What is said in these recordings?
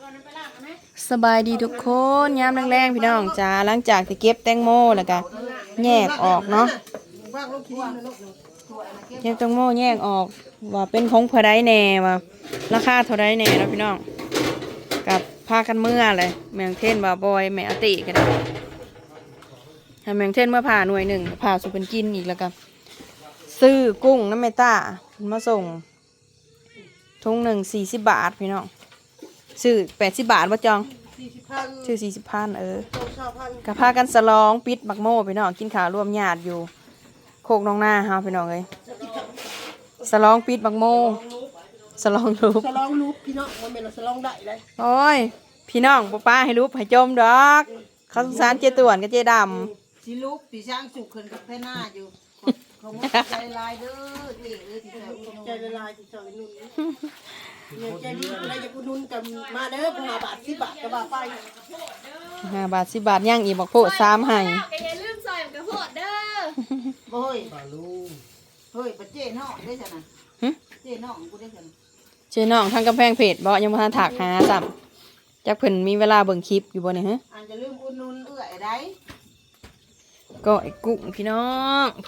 สบายดีทุกคนยามแรงๆพี่น้องจ้าหลังจากที่เก็บแตงโมแล้วก็แยกออกเนาะเก็บแตงโมแยกออกว่าเป็นของเท่าใดแน่ว่าราคาเท่าใดแน่แล้วพี่น้องกับพากันเมื่อเลยแมงเทนบ่าบอยแม่อติกันให้แมงเทนเมื่อผ่าหน่วยหนึ่งผ่าสุเป็นกินอีกแล้วกันซื้อกุ้งน้ำเมต้ามาส่งทุงหนึ่ง40 บาทพี่น้องซื้อ80 บาทว่าจองซื้อ40,000กับพากันสลองปิดบักโม่พี่น้องกินข้าวร่วมญาติอยู่โคกน้องหน้าเฮาพี่น้องเลยสลองปิดบักโม่สลองรูปพี่น้องมันเป็นสลองได้เลยโอ้ยพี่น้องป้าให้รูปให้จมดอกเขาสงสารเจต่วนกับเจดำสิลูกปีช่างสุกขึ้นกับแพ่หน้าอยู่เขาใจลายเด้อเจ๊ที่ใจลายที่ใจนุ่นเนี่ยใจนุ่นอะไรจะกูนุ่นกันมาเด้อ5 บาท10 บาทกระบะไป 5 บาท10 บาทย่างอีบอกโพด3ให้อย่าลืมซอยกระโพดเด้อเฮ้ยปลาลูกเฮ้ยปลาเจ๊น้องได้จ้ะนะเจ๊น้องกูได้จ้ะเจน้องทางกำแพงเพจบ่ยังบ่ทันถักหาซ้ำจักเพิ่นมีเวลาเบิ่งคลิปอยู่บ่เนี่ยฮะอันจะลืมอุดหนุนได้ก็ไอ้กุ้งพี่น้องโถ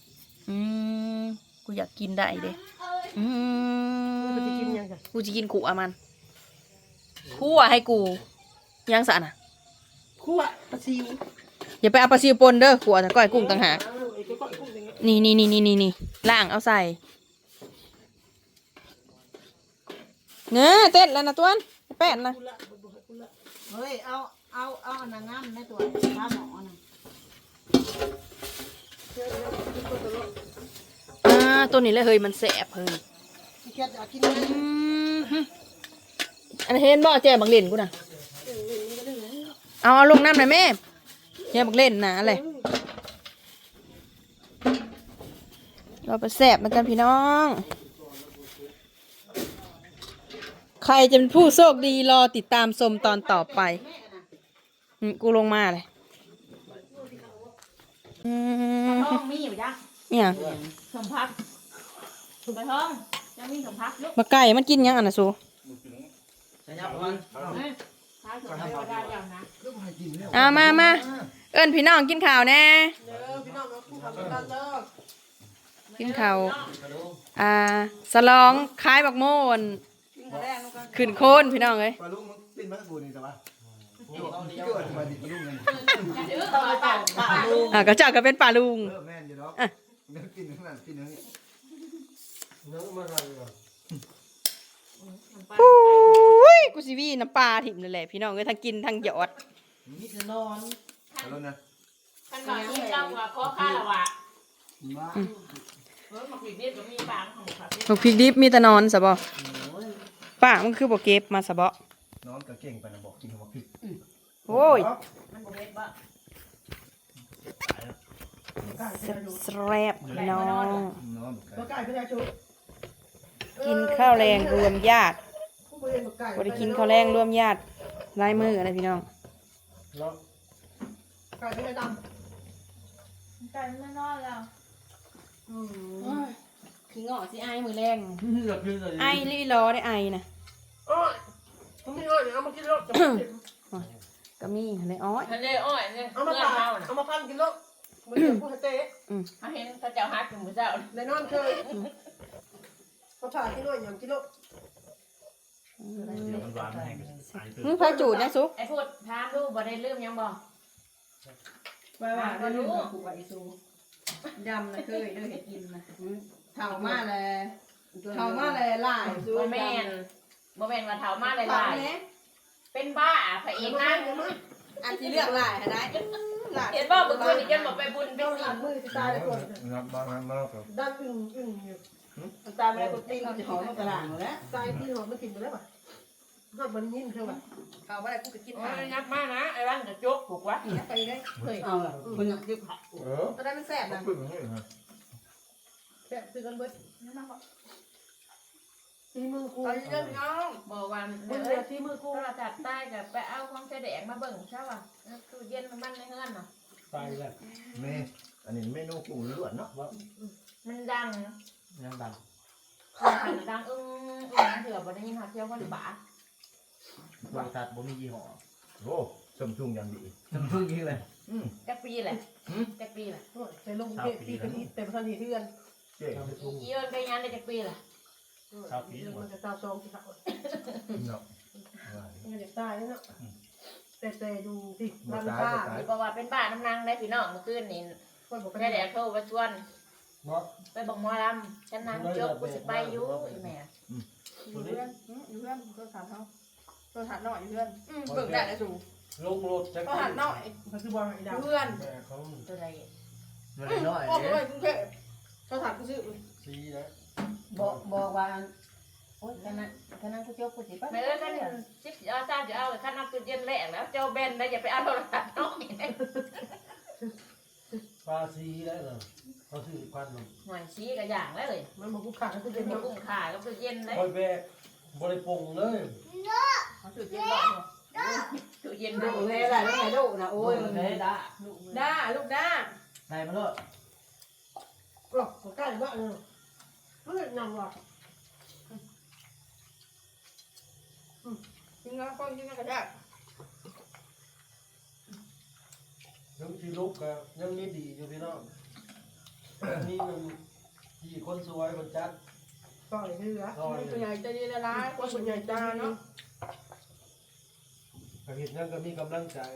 กูอยากกินได้เด้กูจะกินขู่อะมันคั่วให้กูยังสะน่ะคั่วปลาซิวอย่าไปเอาปลาซิวปนเด้อขัวแต่ก้อยกุ้งต่างหากนี่ล่างเอาใส่เนื้อเต้นแล้วนะตัวนแป้นนะเฮ้ยเอานางงามในตัวข้าหมอนะตัวนี้เลยเฮ้ยมันแสบเฮ้ยอันเห็นบ่แจ่บักเล่นกูน่ะเอาลงน้ำหน่อยแม่แจ่บักเล่นนะอะไรเราไปแสบมันกันพี่น้องใครจะเป็นผู้โชคดีรอติดตามชมตอนต่อไปกูลงมาเลยท้องมีอยู่จ้ะเนี่ยสมพักถูกไปท้องยังมีสมพักลูกมาไก่มันกินยังอ่ะนะซูมาเอิ้นพี่น้องกินข้าวแน่กินข้าวสลองคล้ายบักโม่นขึ้นโคนพี่น้องเลยก็เจ้าก็เป็นป่าลุงกูสิวีน้ำปลาถิ่มเลยแหละพี่น้องเลยทั้งกินทั้งหยอดนี่คือนอนขันหน่อยนี่เจ้าว่าขอข้าละวะหมักพริกดิบก็มีปางของผักหมักพริกดิบมีแต่นอนสะบป้ามันคือบอกเก็บมาสะบนอนก็เก่งไปนะบอกกินหมักพริกโอ้ยมันบ่เฮ็ดบ่แซ่บน้องกินข้าวแรงรวมญาติบ่ได้กินข้าวแรงรวมญาติลายมืออะไรพี่น้องไก่ไม่ดำไก่ไม่นอนแล้วขี้เงาะสิไอมือแรงไอลี่ล้อได้ไอนะต้องมีอ้อยเอามากินแล้วก็มีทะเลอ้อยเนี่ยเอามาพันกินแล้วมันจะพูดเตะเขาเห็นเขาเจ้าฮักอยู่มื้อเช้าในนอนเคยเขาผ่าที่น้อยอย่างกิโลมึงพาจูดนะซุไอ้พูดถามลูกบ่ได้ลืมยังบ่ว่าบ่รู้ผูกไว้ซูดำนะเคยเด้อเฮ็ดกินนะเฒ่ามาเลยหลายบ่แม่นว่าเฒ่ามาหลายเป็นบ้าพระเอกนะอันที่เลือกหลายได้เห็นบ่เมื่อคืนนี่จนบ่ไปบุญไปศีลมือสิตายเลยคนดันอึ้งอยู่ตายไม่ได้ก็ตีนจะหอมกระด้างแล้วตายที่หอมมันกินไปแล้วป่ะก็มันยิ้มเท่าไหร่เขาว่าอะไรกูจะกินหายงับมานะไอ้บ้านจะจกถูกวะไปได้เฮ้ยเอาคนอยากกินผักตอนนั้นมันแสบนะแสบซื้อกันเบิดซีมือกูเรื่องน้องบอกว่าเดี๋ยวซีมือกูเราจัดใต้กับไปเอาของแสดงมาเบิ่งใช่ป่ะตู้เย็นมันในเฮือนเนาะไปแล้วแม่อันนี้เมนูกุ้งล้วนเนาะมันดังดังดังเถื่อบ่ได้ยินหาเที่ยวคนบาโทรทัศน์บ่มียี่ห้อโอ้ซัมซุงอย่างดีซัมซุงยิงเลยจักปีแหละจักปีแหละใส่ลงเทพปีกันอีเต็มทันทีเพื่อนเจ๊อีเอิญไปงานได้จักปีแหละมันจะตาซองที่เขาเนาะมันจะตายแล้วเนาะแต่ดูสิบ่มันตายบ้าบ่ตายบอกว่าเป็นบ้านน้ำนางได้พี่น้องเมื่อคืนนี่คนบอกแค่ได้แดดโทรมาชวนเนาะไปบอกหมอลำฉันนางจบกูสิไปอยู่อีแม่อยู่เพื่อนอยู่เพื่อนก็ถามเขาก็ถามหน่อยอยู่เพื่อนเบิ่งได้เลยสูลงรถจักก็ถามหน่อยมันคือบอลไอ้ดาวเพื่อนแม่เขาตัวใดน้อยออกไปกรุงเทพก็ถามกูซื้อซีนะบอกว่าโอ๊ยคณะกูจบกูสิไปแม่เอ้ยกันชิปเอาจ้าจะเอาคณะตู้เย็นแหลกแล้วเจ้าเบนได้อย่าไปเอาโทรศัพท์น้อยปลาซีได้เหรอเขาซื้อพันหนึ่งหน่วยชี้กับอย่างแล้วเลยมันบอกกูขาดแล้วกูเป็จะนมากุ้งขากับตู้เย็นเลยคอยแบกบริปงเลยเขาซื้อเจ็ดร้อยตู้เย็นดูดูเลเลย ยอะไรไม่ลูกนะโอ้ยเลยด่าด้าลูกด้าได้มาเลยกรอกกูใกล้บ้านเลยเฮ้ยนำว่ะกินแล้วก็กินแล้วก็ได้ยังที่ลุกก็ยังมีดีอยู่พี่น้องนี่มันที่คนสวยมันจัดต่อยเรือซอยส่วนใหญ่จะดีละลายคนส่วนใหญ่จะเนาะก็เห็นยังก็มีกำลังใจ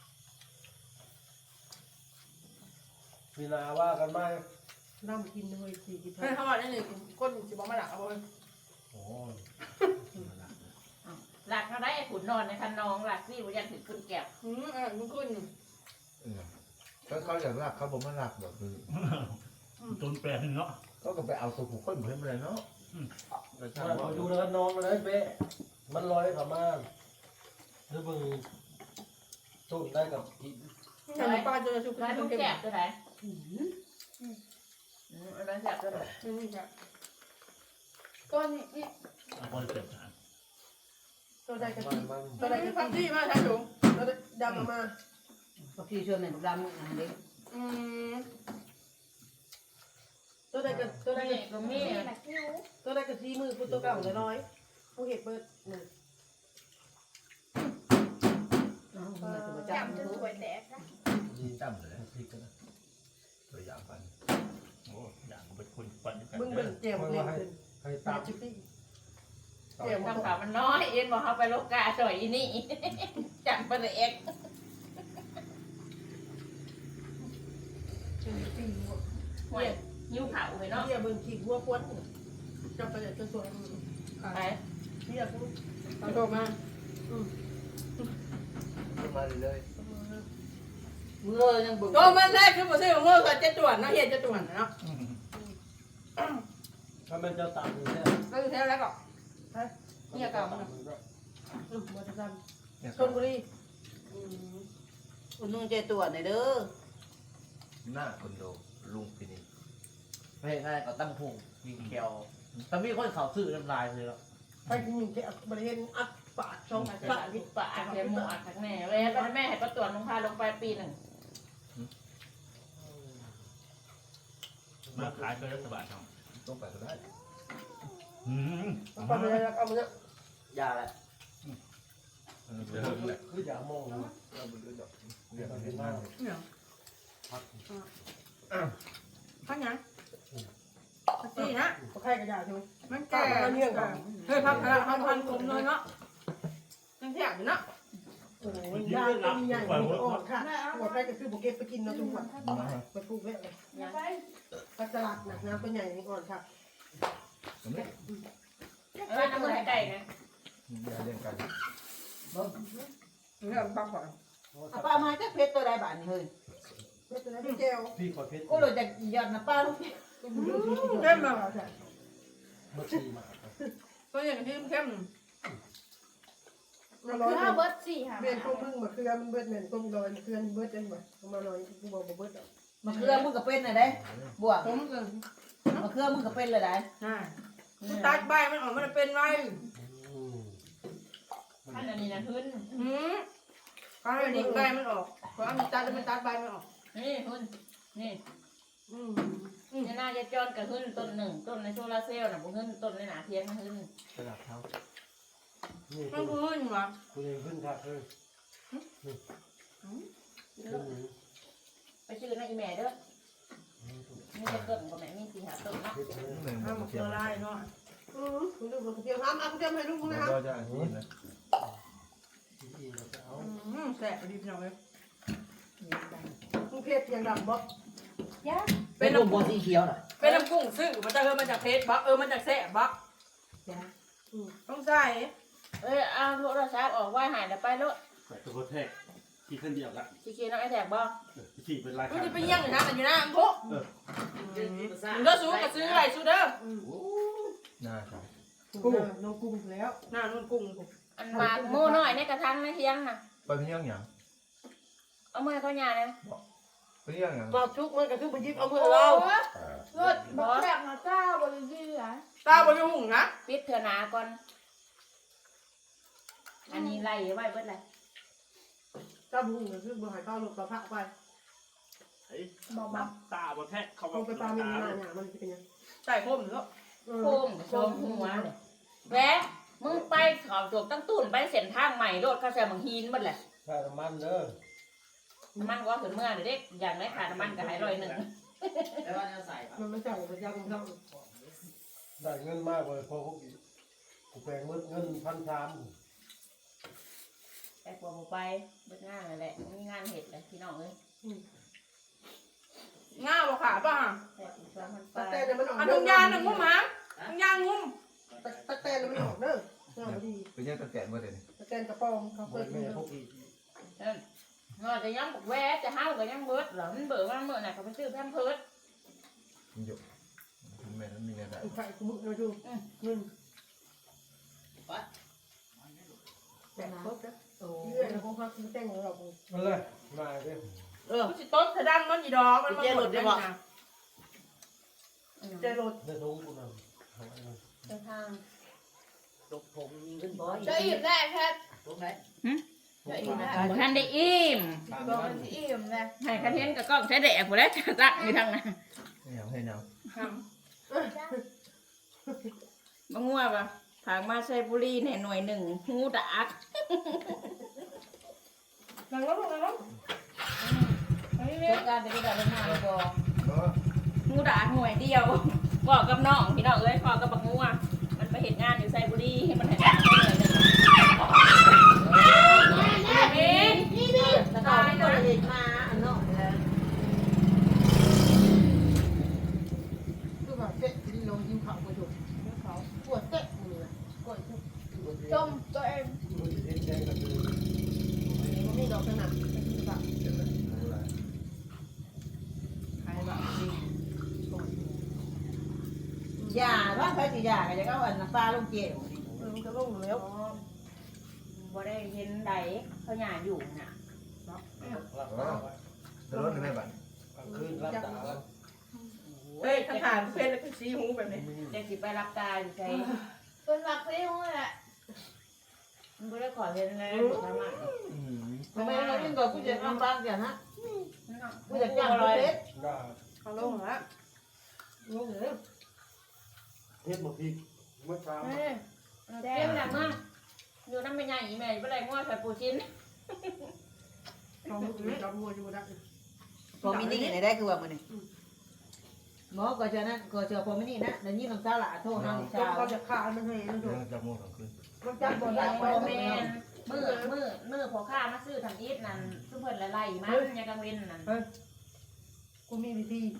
เวลาว่ากันไหมน้ำกินเลยสี่กินเฮ้ยเขาบอกนี่นี่คนสิบอกมาหลักเอาเลยโอ้ยหลักเขาได้ขุนนอนในคันนองหลักที่บุญยันถึงคุณแก้วมึงขึ้นเขาอยากรักเขาบ่มารักแบบคือจนแปลนเนาะเขาก็ไปเอาตัวผู้คนเหมือนเลยเนาะแต่ถ้ามาดูแล้วน้องมันเลยเป๊ะมันลอยเข้ามาหรือมึงต้นได้กับอีแต่ป้าจะชุบร้านขึ้ลูนกเก็บแก้วตัวไหนร้านแก้วตัวไหนนี่จ้ะก้อนนี่เอาคนเจ็บหาตัวใดกะมัทินมันตัวไหนคือพักที่มาใช่ถุงตัวดำมาก็ที่ชวนในดำอันนี้อืมตัวใดกะตัวใดนี่กะก็มีตัวใดกะทีมือกูตัวเก่าเลยน้อยกูเห็ดเบิดหนึ่งมาถึงประจับจำจนสวยแตกดีจำเลยพริกกันนะตัวอย่างปันโอ้อย่างเป็นคนปั่นกันมึงเบิ่งเจียวเล่นขึ้นให้ตาตับจิบปี้ทำข่าวมันน้อยเอ็นบอกเขาไปโลกาสวยอีนี่จับไปเลยเอ็กห่วยยิ้วเผาไปเนาะเฮียเบิ่งขี้หัวควนจับไปเลยจะสวยไปเฮียกูเอาโทรมาขึ้นมาเลยเมื่อยังบึงโทรมาได้คือบ่ซื้อของโง่ใส่จะตรวจนะเฮียจะตรวจเนาะถ้ามันจะตับอยู่เนี่ยก็คือแท้แล้วก็เฮียเก่ามันมาจะทเนี่ยำชนบุรีคุณนุ่งใจตัวในเด้อหน้าคอนโดลุงพินีไม่ง่ายก็ตั้งพุงยิงแควแต่มีคนเขาซื้อน้ำลายเลยหรอไปกินแค่บริเวณอัดปาดช่องปะปาดปะเดี๋ยวหมวดทักแม่เว้ยตอนแม่ให้ประตรวจลงพาลงไปปีหนึ่งมาขายก็รัฐบาลเนาะต้องไปก็ได้อืมไปเลยเอามาเนี่ยยาแหละเดี๋ยวแหละคืออย่ามองเราไปดูดอกเรียกเห็เห็นนไหมมากเนี่ยพักพักยังพักที่นะเขาใครกระดาษชูมันแก่เฮ้ยพักละพันกลมเลยเนาะยังแซ่บอยู่เนาะโอ้ยยาตัวใหญ่อ่อนค่ะหัวใครก็คือบุกเก็ตไปกินนะทุกวันไปปลูกไว้เลยพักตลาดหนักน้ำตัวใหญ่อ่อนค่ะน้ำมือไก่นะอย่าเล่นกันเนี่ยพักก่อนเอาป้ามาจากเพชรตัวใดบ้านนี่เฮ้ยไม่เป็นไรพี่เจลพี่ขอเพชรกูเลยจะหยอดนะป้าลูกเล่นมาเมื่อชีมาตัวอย่างที่เข้มมาลอยเบิร์ดสี่ค่ะเบียนพวกมึงมาเคลือมันเบิดเหมือนพวกลอยเคลือเบิดจังหวะมาลอยกูบอกเบิดอ่ะมาเครือมึงก็เป็นเลยได้บวกผมก็มาเครือมึงก็เป็นเลยได้ตัดใบมันออกมันเป็นไรท่านอันนี้นะขึ้นก็ให้ดิใบมันออกเพราะมันตัดมันตัดใบมันออกนี่ขึ้นนี่นี่น่าจะจอนกับขึ้นต้นหนึ่งต้นในโซลาเซลล์น่ะบุขึ้นต้นในหนาเทียนมันขึ้นกระดาษเท้านี่มันพื้นวะคุณเองขึ้นทักเลยนี่ไปชื่อนะอีแม่เด้อมีจะเกิดกับแม่มีสีหาต้นเนาะหนึ่งห้ามมาเกเทียลืมอนะลายเนาะคุณดูกระเทียมห้ามเอากระเทียมให้ลูกนะก็จะกินนะอีกเราจะเอาแสบดีพี่น้องเลยมึงเพชรยังดำบ่เป็นน้ำบัวสีเขียวน่ะเป็นน้ำกุ้งซึ่งมันจะมาจากเพชรบักมันจากแสบบักต้องใส่เอาโทรศัพท์ออกว่าหายแล้วไปแล้วใส่ตัวแทกที่ขึ้นเดียวละสีเขียวน้องไอ้แถบบ้างที่เป็นลายมันจะไปเยี่ยงอยู่นะอยู่นะอังคุมันก็ซื้อกับซื้ออะไรซื้อเด้อน่าใช่กุ้งน้องกุ้งแล้วหน้านุ่นกุ้งอันมาโม่น้อยในกระทังในเที่ยงน่ะไปเพียงอย่างเอามือเขาหยาเลยไปเพียงอย่างปลาชุกมันก็คือไปยิบเอามือเรารถบอสแบบมาเจ้าบริยือ่ะเจ้าบริหุ่งนะปิดเถอะนาก่อนอันนี้ไล่ไว้เบิดเลยเจ้าบุ้งก็คือบ่ให้เข้าลูกกระเพาะไปบอกตาบนแทกเขาเอาไปปลามีหน้าเนี่ยมันจะเป็นยังใส่โคมหรือโคมโคมหัวเลยแหวะมึงไปเขาจบตั้งตุ่นไปเส้นทางใหม่รถเขาใส่บังฮีนเบิดเลยใส่น้ำมันเด้อน้ำมันก็ถึงเมื่อเด็กอย่างไรขาดน้ำมันก็หาย100 มันไม่ใช่มันยาวของเราได้เงินมากเลยพอพวกกูแปลงมืดเงิน1,300 แต่กลัวผมไปเบิดงานเลยแหละมีงานเห็ดเลยพี่น้องเลยง่าบ่ขาป่ะแต่ผมชอบมันไปตะแตนเนี่ยมันออกอันนุ่งยางหนึ่งงุ้มหางนุ่งยางงุ้มตะแตนมันออกเด้อดีไปยังตะแกรงมาเดี๋ยวนี้ตะแตนกระปองเขาหมเปิดดแม่พวกอีกงอจะย้ำบอกแวะจะห้าวก็ยังเบิดเหรอมันเบื่อมันเมื่อไหร่เขาไปซื้อแพมเพิร์ดมันอยู่แม่นั้นมีเงินได้ไข่กูมึงเราดูเงินแต่ครบแล้วเรื่อยแล้วคงพักซื้อแต่งของเรานั่นเลยมาเด้อมันสิต้นสะดังมันยีดอกมันมาหมดเลยนะเจรถเดี๋ยวทุ่งกูนำเอาไว้นะเดินทางตกผมมีเงินบ่อยจะอิ่มได้แค่ตรงไหนบ่ทันได้อิ่มบอกมันอิ่มเลยให้คาเทนกับกล้องใช้แดกหมดแล้วจะตักอยู่ทางนั้นไม่เอาให้เอาบางงัวป่ะผางมาใช้บุรีในหน่วยหนึ่งหูดักหลังแล้วหลังแล้วเรื่องการจะได้ดับมาบ่ก็หูดักหน่วยเดียวบอกกับน้องพี่น้องเอ้ยพอกับบักงัวมันไปเห็นงานอยู่ไซบุรีให้มันเห็นงานหน่วยหนึ่งตายก็เห็นมาอันเนาะคือแบบเตะกินลงยิ้มเขาไปถูกเขาปวดเตะมือปวดจมตัวเองมันจะเห็นแดงกันเลยมันมีดอกขนาดเป็นแบบเดี๋ยวนะรู้ละใครแบบจริงยาว่าใครสิยาก็จะเอาอันน้ำปลาลงเจียวมันจะลงแล้วบ่ได้เห็นใดเขาหยาอยู่น่ะหลับตาไว้จะรถได้ไหมบัดกลางคืนหลับตาไว้เฮ้ยคำถามเพื่อนแล้วก็ชี้หูแบบนี้จะสิไปรับตาอยู่ใช่เป็นหลักที่ห้องแหละมันบ่ได้ขอเห็นเลยถูกทำอ่ะทำไมเรายิ่งกว่าผู้จัดการบ้านกันฮะผู้จัดจัการงปเลระยเทศได้เขาลงแล้วลงแล้วเฮ็ดบ่พริกเมื่อเช้าแจ้งดังมากอยู่น้ำเป็นใหญ่อีแม่บ่ได้งัวใส่ปูชิ้นเขาจับวัวอยู่ได้พอมินี่ไหนได้คือว่ามันนี่หมอก็จะนั่นก็จะพอมินี่นะเดี๋ยวนี้น้ำตาหลาโทษน้ำจชานเขาจะฆ่ามันให้มันถูเดี๋ยกวจะโม่กลางคืนมันจับบ่ได้โมเมนมือพอข้ามาซื้อทำอีทนั่นซุเพิ่นละไล่มันยังกังเว้นนั่นกูมีวิธี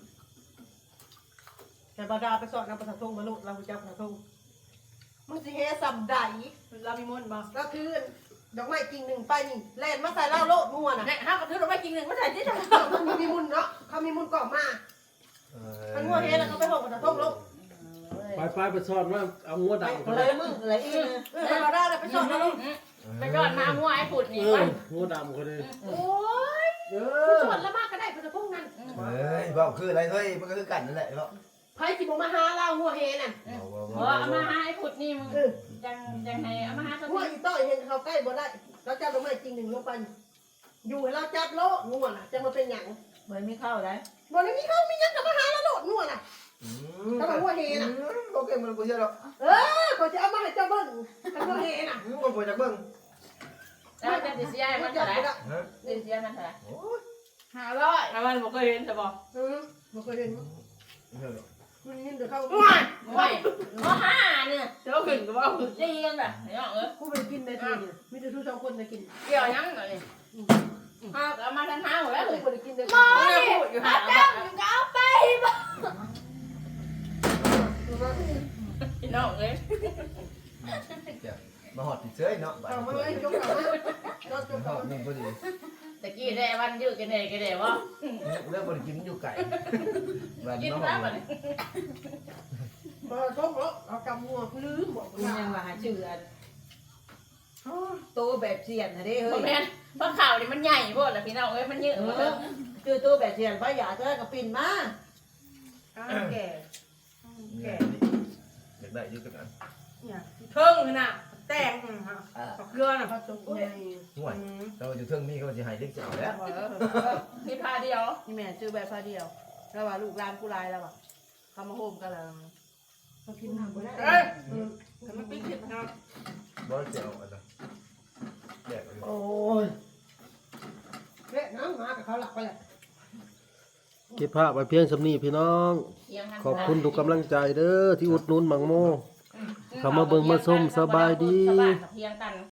แต่บาดาไปสอนนำประทงมาลุเราจับประทงมึงสิเฮสัมใดเรามีมนต์บ่ก็คือดอกไม้กิ่งหนึ่งไปนี่แล่นมาใส่เหล้าโลดมั่วน่ะเนี่ยห้าก็ถือเราไปกินหนึ่งมาใส่ที่จังมันมีมุนเนาะเขามีมุนก่อมามันงัวเฮแล้วเขาไปหกประทงโลดไปสอนว่าเอางัวดำอะไรมึงอะไรอีกบาดาไปสอนนะลูกไปยอดมางัวไอ้ผุดนี่เอไปองัวดำคนนี้โอ้ยสอนแล้วมากก็ได้ประทงนั้นเฮ้ยบอกคืออะไรเฮ้ยมันก็คือกันนั่นแหละเนาะไพ่สิบมาหาเรางัวเฮน่ะเอามาให้ไอ้ผุดนี่มึงจังให้เอามาให้ตัวงัวนี้อีต้อยเห็นเขาใกล้บ่ได้เราจับดอกไม้กิ่งหนึ่งลงไปอยู่ให้เราจับโลดงัวน่ะจะมาเป็นหยังเหมือนไม่เข้าได้บ่ได้มีเขามีหยังกับมาหาเราโลดงัวน่ะเขาบอกว่าเฮน่ะโอเคมันกูเชื่อหรอกเขาจะเอามาให้เจ้าเบิ้งเขาบอกเฮน่ะกูปวดจากเบิ้งแล้วจะดิเซียมันเท่าไหร่ฮะดิเซียมันเท่าไหร่โอ้ย 500 ถ้ามันบ่เคยเห็นจะบอกบ่เคยเห็นเชื่อหรอกมันยินเดี๋ยวเขาไม่ห้าเนี่ยเจ้าขึ้นก็ว่าจีกันแบบเนาะกูไปกินได้ทีเดียวมีแต่ทุกสองคนได้กินเกี่ยวยังหน่อยเอามาทั้งห้าหมดแล้วกูไปกินได้หมอนี่อาจารย์มึงก็เอาไปบ่พี่น้องเลยมาหอดติดเชื้อเนาะเอามาเลยจงเอามาจงหอเอาดหนึ่งพอดีตะกี้ได้วันยืดกันเองกันเองวะเรื่องบริกินอยู่ไก่วันกินมาหอแล้วดมันมาจงเอากำมัวลืมบอกคุณยังว่าหาชื่ออันโตแบบเสียนนะเด้พ่เฮ้อย แม่เพราะข่าวนี่มันใหญ่พวกแหละพี่น้องเอ้ยมันเยอะชื่อโตแบบเสียนพระยาเธอก็ปิ่นมาแก่อยากได้ยืดกันเพิ่งน่ะแต่งเกลือน่ะเขาจงใหญ่ห่วยเราอยู่เทิงนี้ก็จะหายเล็กเจ้าแล้วที่พาเดียวนี่แม่ชื่อแบบพาเดียวแล้วว่าลูกหลานกูลายแล้วว่ะเขามาโฮมกันแล้วเขากินน้ำบ่ได้เอ้ยมันปิ๊กผิดนะครับบ่เจ้าอะไรแดกโอ้ยเละน้ำมากับเขาหลักไปแหละเก็บภาพไว้เพียงสำนีพี่น้อง ขอบคุณทุกกำลังใจเด้อที่อุดหนุนหมังโม เข้ามาเบิ่งมาชมสบายดีเพียงกัน